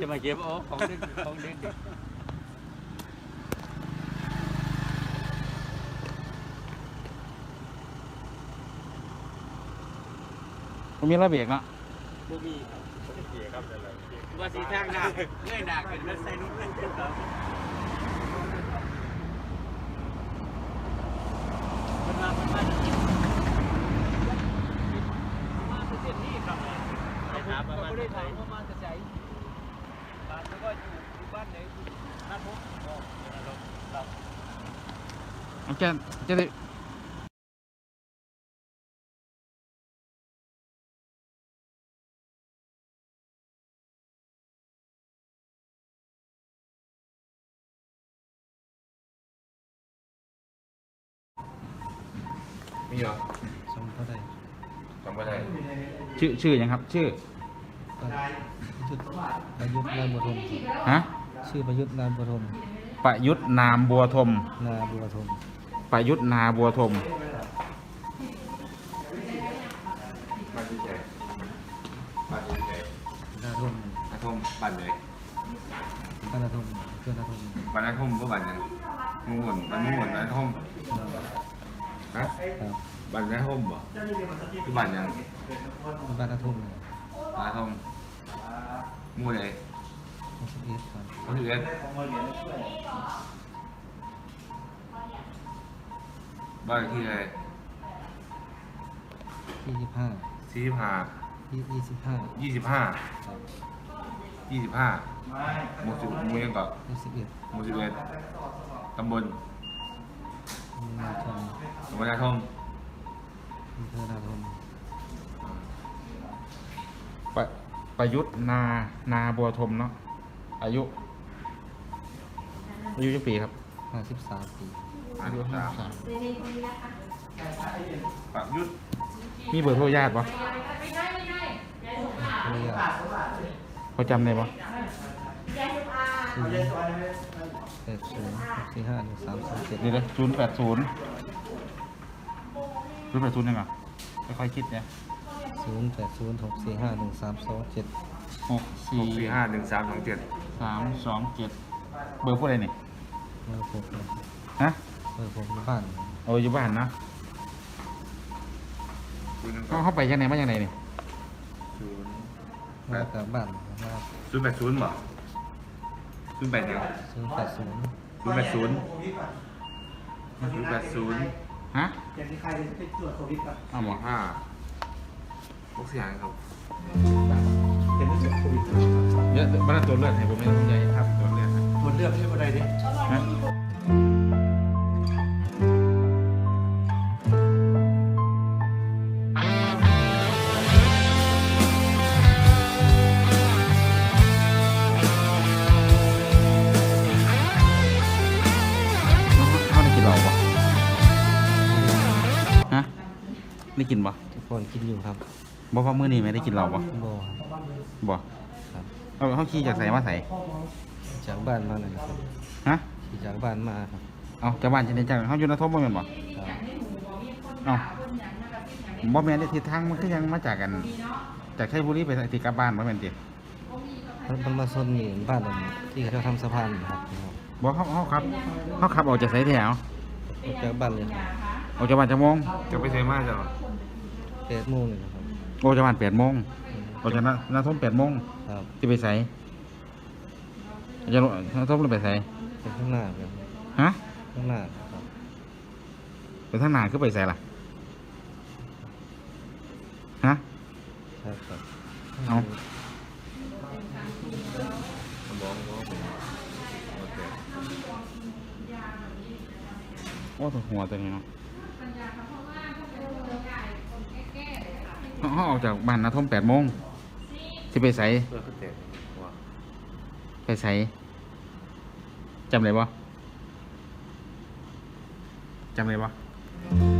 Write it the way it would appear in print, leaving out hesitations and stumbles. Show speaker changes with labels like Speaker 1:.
Speaker 1: มาเก็บโอ้ของเด็กของเด็ก
Speaker 2: มันมีระเบียงเนาะ
Speaker 1: บ่มีเกียร์ครับอะไรว่าสีทางหน้าเงื่อนหน้าขึ้นรถไซนุ่นเล่นครับมันมาเส้นนี้ครับไปถามว่าได้ถามว่ามาจะใช้บ้านแล้วก็อยู่บ้านไหนนั่นผมเรา
Speaker 2: จะได้
Speaker 3: มีเหรอ
Speaker 4: จำก็ได้
Speaker 3: จำไม่ได้
Speaker 2: ชื่อยังครับ ชื่อ
Speaker 4: ประยุทธ์นามบัวทม
Speaker 2: ฮะ
Speaker 4: ชื่อประยุทธ์นามบัวทม
Speaker 2: ประยุทธ์นามบัวทม
Speaker 4: นาบัวทม
Speaker 2: ประยุทธ์นาบัวทม
Speaker 3: บ้านที่ไหนบ้านที่ไหน
Speaker 4: นาทม
Speaker 3: อาทมบ้านไหน
Speaker 4: บ้านนาทมเพื่อนนาทม
Speaker 3: บ้านอาทมก็บ้านยังมุ่งหมุนบ้านมุ่งหมุนบ้านอาทมฮะ
Speaker 4: ครับ
Speaker 3: บ้านอาทมบ่คือบ้านยัง
Speaker 4: บ้านนาทมเนี่ย
Speaker 3: บ้านอาทมหมู่ไหน
Speaker 4: 61ครับ
Speaker 3: เขาถือเอ็ดบ้านที่ไหน
Speaker 4: 25
Speaker 3: 45
Speaker 4: 25
Speaker 3: 25
Speaker 4: ครับ
Speaker 3: 25หมู่ยังก็
Speaker 4: 61
Speaker 3: หมู่11ตำบล
Speaker 4: นาทม
Speaker 3: ตำบลอาทม
Speaker 4: อำเภอนาทม
Speaker 2: ประยุทธ์นาบัวทมเนาะอายุกี่ปีครับ
Speaker 4: 53 ปี
Speaker 2: อายุ
Speaker 3: 53ประยุทธ์
Speaker 2: มีเบอร์โทรญาติปะ
Speaker 4: ภรรยา
Speaker 2: เขาจำได้ปะ
Speaker 4: 080 645 1327
Speaker 2: เดี๋ยว080ยังไงค่อยๆคิดเนี่ย
Speaker 4: 080 645 1327
Speaker 3: 6451327
Speaker 2: 327เบอร์ผู้ใดนี่
Speaker 4: เบอร์ผมครับ
Speaker 2: ฮะ
Speaker 4: เบอร์ผมอยู่บ้าน
Speaker 2: เอาอยู่บ้านนะเขาไปยังไงมายังไงนี่
Speaker 4: มาจากบ้านมา
Speaker 3: 080บ่080
Speaker 4: 080
Speaker 2: ฮะ
Speaker 5: อย่างที่ใครไปตรวจโควิดครับ
Speaker 2: อ้าวหมอ
Speaker 3: พวกเสียงครับ
Speaker 5: เป็นเรื่องโควิด
Speaker 2: เยอะบ้านตัวเลือดให้ผมไม่ต้องใจครับตัวเลือด
Speaker 5: ตรวจเลือดให้บ่ได้ดิ
Speaker 2: ฮะเขาได้กินเหล้าปะฮะได้กินปะ
Speaker 4: ทุกคนกินอยู่ครับ
Speaker 2: บอกว่ามื้อนี้ไม่ได้กินเหล้าปะ
Speaker 4: โบครับ
Speaker 2: บ่
Speaker 4: ครับ
Speaker 2: เขาขี่จากใส่มาใส่
Speaker 4: จากบ้านมาเลยครับ
Speaker 2: ฮะ
Speaker 4: ขี่จากบ้านมาครับ
Speaker 2: เอาจากบ้านจะได้จากเขาอยู่ในทบบ่แม่นบ่
Speaker 4: ครับ
Speaker 2: เอาบ่แม่นได้ทิศทางมันคือยังมาจากกัน จากชัยบุรีไปที่กลับบ้านบ่แม่นติ
Speaker 4: มันมาซนอยู่บ้านที่เขาทำสะพานครับ
Speaker 2: บ่เขาขับออกจากไสแถว
Speaker 4: ออกจากบ้านเลย
Speaker 2: ออกจากบ้านจักโมง
Speaker 3: จะไปเซมาจ้ะ
Speaker 4: 8 โมงเลยนะครับ
Speaker 2: ออกจากบ้าน8 โมงออกจากนาทม8 โมง
Speaker 4: ครับ
Speaker 2: สิไปไสจะนาทมไปไส
Speaker 4: ไปข้างหน้าครับ
Speaker 2: ฮะ
Speaker 4: ข้างหน้าครับ
Speaker 2: ไปทางหน้าคือไปไสล่ะฮะ
Speaker 4: ครับครับ
Speaker 2: เอา
Speaker 3: สมองก็เป็นโอเค
Speaker 2: โอ้ตัวหัวตัวนี้เนาะเขาออกจากบ้านนาทม8 โมงสิไปไส
Speaker 3: เพื่อขึ้นเตะหัว
Speaker 2: ไปไสจำได้บ่จำได้บ่